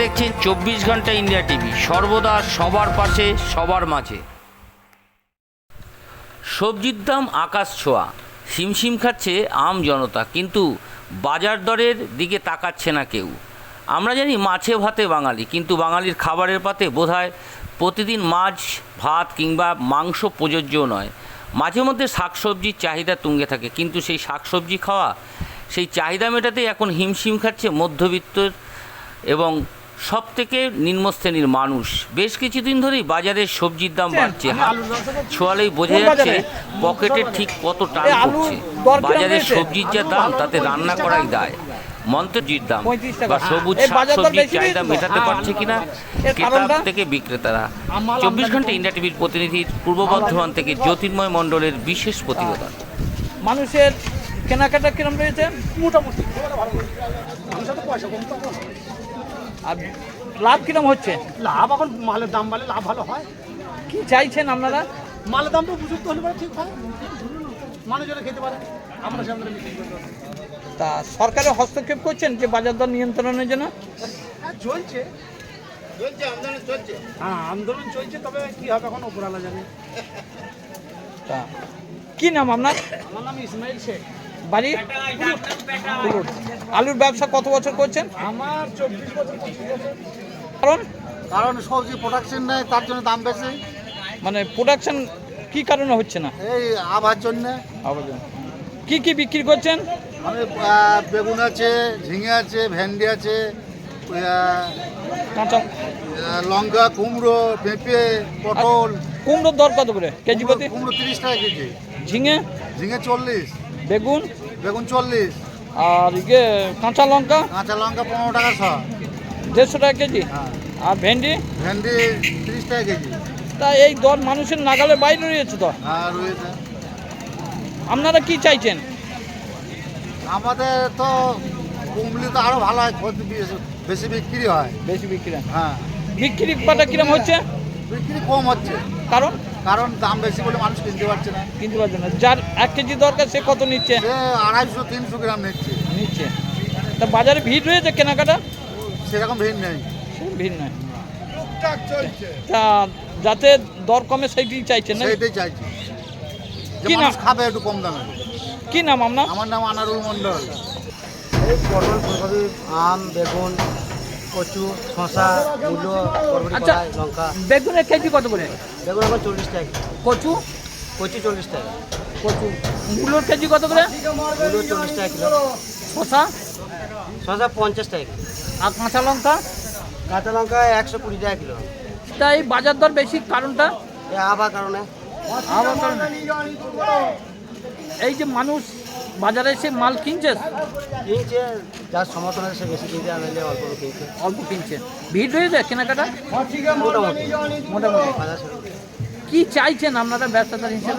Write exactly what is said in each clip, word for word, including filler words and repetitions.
দেখছেন চব্বিশ ঘন্টা ইন্ডিয়া টিভি, সর্বদা সবার পাশে সবার মাঝে। সবজির দাম আকাশ ছোঁয়া, হিমশিম খাচ্ছে আম জনতা, কিন্তু বাজার দরের দিকে তাকাচ্ছে না কেউ। আমরা জানি মাছে ভাতে বাঙালি, কিন্তু বাঙালির খাবারের পাতে বোধহয় প্রতিদিন মাছ ভাত কিংবা মাংস প্রযোজ্য নয়। মাঝে মধ্যে শাকসবজির চাহিদা তুঙ্গে থাকে, কিন্তু সেই শাকসবজি খাওয়া, সেই চাহিদা মেটাতেই এখন হিমশিম খাচ্ছে মধ্যবিত্ত এবং সব থেকে নিম্ন শ্রেণীর মানুষ। বেশ কিছুদিন ধরেই বাজারে সবজির দাম বাড়ছে, ছোঁয়ালেই বোঝা যাচ্ছে পকেটের ঠিক কত টান পড়ছে। বাজারে সবজির যা দাম, তাতে রান্না করাই দায়। মন্ত্রজির দাম বা সবুজ শাকসবজির চাহিদা মেটাতে পারছে কিনা ক্রেতা থেকে বিক্রেতারা। চব্বিশ ঘন্টা ইন্ডিয়া টিভির প্রতিনিধির পূর্ব বর্ধমান থেকে জ্যোতির্ময় মণ্ডলের বিশেষ প্রতিবেদন। মানুষের কেনাকাটা কিরম রয়েছে? মোটামুটি আর লাভ কিরম হচ্ছে? লাভ এখন মালের দাম বাড়লে লাভ ভালো হয়। কি চাইছেন আপনারা? মালের দামটা উপযুক্ত হলে পরে ঠিক হয়, মানুষজনে খেতে পারে, আমরা সেখানে বিক্রি করতে পারি। তা সরকারের হস্তক্ষেপ করছেন যে বাজার দর নিয়ন্ত্রণের জন্য? হ্যাঁ চলছে, চলছে আন্দোলন চলছে। হ্যাঁ আন্দোলন চলছে, তবে কি হবে এখন উপরালা জানে। তা কি নাম আপনার? আমার নাম ইসমাইল শেখ, বাড়ি কুলুর। আলুর ব্যবসা কত বছর করছেন? আমার চব্বিশ বছর পঁচিশ বছর। কারণ কারণ সবজি প্রোডাকশন নেই, তার জন্য দাম বেশি। মানে প্রোডাকশন কি কারণে হচ্ছে না? এই আবার জন্য। কি কি বিক্রি করছেন? আমি বেগুন আছে, ঝিঙে আছে, ভেন্ডি আছে, কাঁচা লঙ্কা, কুমড়ো, পেঁপে, পটল। কুমড়োর দর কত করে কেজি প্রতি? কুমড়ো তিরিশ টাকা কেজি। ঝিঙে? ঝিঙে চল্লিশ। বেগুন? বেগুন চল্লিশ। আর ইয়ে কাঁচা লঙ্কা? কাঁচা লঙ্কা পনেরো টাকা শ। দেড়শো টাকা কেজি। হ্যাঁ। আর ভেন্ডি? ভেন্ডি তিরিশ টাকা কেজি। তা এই দর মানুষের নাগালের বাইরে রয়েছে তো। হ্যাঁ রয়েছে। আপনারা কি চাইছেন? আমাদের তো কুমড়ি তো আরো ভালো হয়, বেশি বিক্রি হয়। বেশি বিক্রি? হ্যাঁ। বিক্রি পাটা কিরম হচ্ছে? বিক্রি কম হচ্ছে। কারণ? কারণ দাম বেশি বলে মানুষ কিনতে পারছে না। কিনতে পারছে না। যার এক কেজি দরকার সে কত নিচ্ছে? সে আড়াইশো তিনশো গ্রাম নিচ্ছে। নিচ্ছে। তা বাজারে ভিড় রয়েছে কেনাকাটা? সেরকম ভিড় নেই। ভিড় নয়। তা যাতে দর কমে সেইটাই চাইছেন না? সেইটাই চাইছি, যে কি নাম? মানুষ খাবে একটু কম দামে। কি নাম আপনার? আমার নাম আনারুল মণ্ডল। এই পটল, ফুলকপি, আম, বেগুন, কচু, শশা, মূলো, বরবটি, আচ্ছা, কলাই, লঙ্কা। বেগুনের কেজি কত করে? বেগুন এখন চল্লিশ টাকা, কচু? কচু চল্লিশ টাকা, কচু। মূলোর কেজি কত করে? মূলো চল্লিশ টাকা কিলো, শশা? শশা পঞ্চাশ টাকা কিলো, আর কাঁচা লঙ্কা? কাঁচা লঙ্কা একশো কুড়ি টাকা কিলো। তা এই বাজার দর বেশি কারণটা? এই আবার কারণে আবার কারণে এই যে মানুষ বাজারে এসে মাল কিনছে, কিনছে, যার সমর্থন আছে সে বেশি কিনছে, আনলে অল্প কিনছে। অল্প কিনছে। ভিড় রয়েছে কেনাকাটা? মোটামুটি মোটামুটি। বাজার শুরু। কি চাইছেন আপনারা ব্যবসাদার হিসেবে?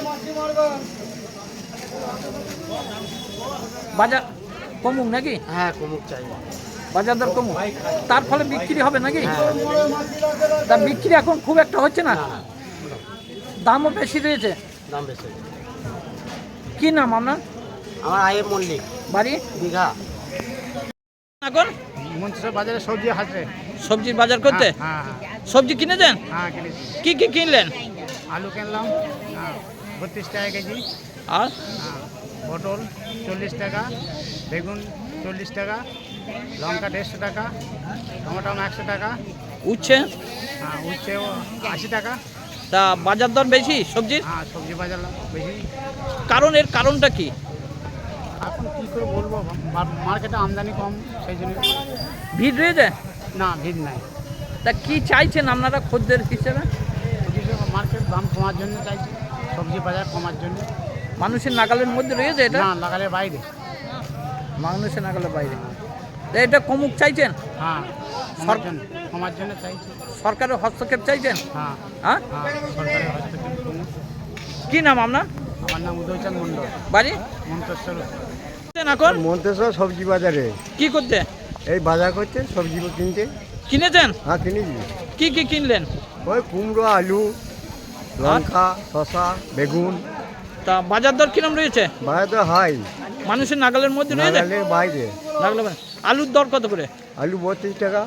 বাজার কমুক নাকি? হ্যাঁ কমুক চাই। বাজার দর কমুক, তার ফলে বিক্রি হবে নাকি? তা বিক্রি এখন খুব একটা হচ্ছে না, দামও বেশি রয়েছে। দাম বেশি। কি নাম আপনার? আমার আয়ের মল্লিক, বাড়ি দীঘা। এখন মন্ত্রিসভা বাজারে সবজি হাটে। সবজির বাজার করতে? হ্যাঁ সবজি কিনেছেন? হ্যাঁ কিনেছি। কি কি কিনলেন? আলু কিনলাম বত্রিশ টাকা কেজি। আর হ্যাঁ, পটল চল্লিশ টাকা, বেগুন চল্লিশ টাকা, লঙ্কা দেড়শো টাকা, টমেটো একশো টাকা, উঠছে? হ্যাঁ উচ্ছে আশি টাকা। তা বাজার দর বেশি সবজির? হ্যাঁ সবজি বাজার বেশি। কারণ এর কারণটা কি? এখন কী করে বলবো, মা- মার্কেটে আমদানি কম, সেই জন্য। ভিড় রয়েছে? না ভিড় নাই। তা কি চাইছেন আপনারা খদ্দের হিসেবে? মার্কেট দাম কমার জন্য চাইছি, সবজি বাজার কমার জন্য। মানুষের নাগালের মধ্যে রয়েছে এটা? না লাগালে বাইরে। মানুষের নাগালের বাইরে। তা এটা কমুক চাইছেন? হ্যাঁ কমার জন্য, কমার জন্য চাইছি। সরকারের হস্তক্ষেপ চাইছেন? হ্যাঁ হ্যাঁ? হ্যাঁ সরকারের হস্তক্ষেপ কমুক। কি নাম আপনার? আমার নাম উদয়চাঁদ মণ্ডল, বাড়ি মন্তেশ্বর। এখন মন্তেশ্বর সবজি বাজারে কি করতে? এই বাজার করতে, সবজি কিনতে। কিনেছেন? হ্যাঁ কিনেছি। কি কি কিনলেন? ওই কুমড়ো, আলু, লঙ্কা, শশা, বেগুন। তা বাজার দর কিরম রয়েছে? বাজার তো হাই, মানুষের নাগালের মধ্যে রয়েছে? নাগালের বাইরে। নাগালের বাইরে। আলুর দর কত করে? আলু বত্রিশ টাকা,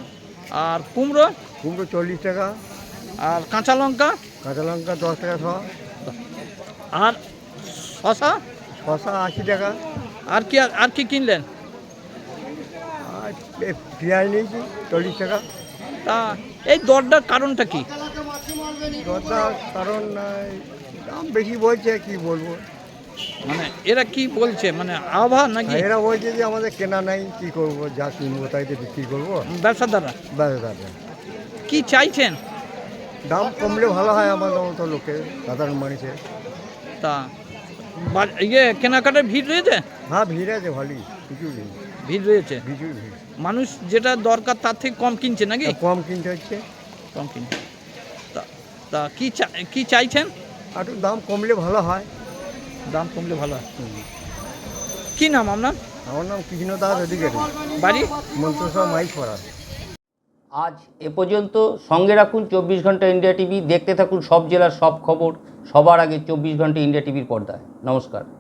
আর কুমড়ো কুমড়ো চল্লিশ টাকা, আর কাঁচা লঙ্কা কাঁচা লঙ্কা দশ টাকা শ, আর শশা শশা আশি টাকা, আর কি আর কি কিনলেন? আর এ পেঁয়াজ নিয়েছি চল্লিশ টাকা। তা এই দরটার কারণটা কি? দরটা কারণ এই দাম বেশি বলছে, কি বলবো। মানে এরা কি বলছে, মানে আবহাওয়া নাকি আর এরা বলছে যে আমাদের কেনা নাই, কি করব, যা কিনবো তাই তো বিক্রি করবো। ব্যবসাদাররা ব্যাস দাদা, কি চাইছেন? দাম কমলে ভালো হয় আমাদের মতো লোকের, সাধারণ মানুষের। তা বা- ইয়ে কেনাকাটার ভিড় রয়েছে? হ্যাঁ ভিড় আছে ভালোই, কিছু নেই, ভিড় রয়েছে। প্রচুর ভিড়। মানুষ যেটা দরকার তার থেকে কম কিনছে নাকি? তা কম কিনতে হচ্ছে, কম কিনছে। তা তা কি চা- কি চাইছেন? আর একটু দাম কমলে ভালো হয়। দাম কমলে ভালো হয়। কি নাম আপনার? আমার নাম কৃষ্ণ দাস অধিকারী, বাড়ি? মন্ত্রসভা মাইক পড়া। আজ এ পর্যন্ত। সঙ্গে রাখুন চব্বিশ ঘন্টা ইন্ডিয়া টিভি। দেখতে থাকুন সব জেলার সব খবর সবার আগে চব্বিশ ঘন্টা ইন্ডিয়া টিভির পর্দায়। নমস্কার।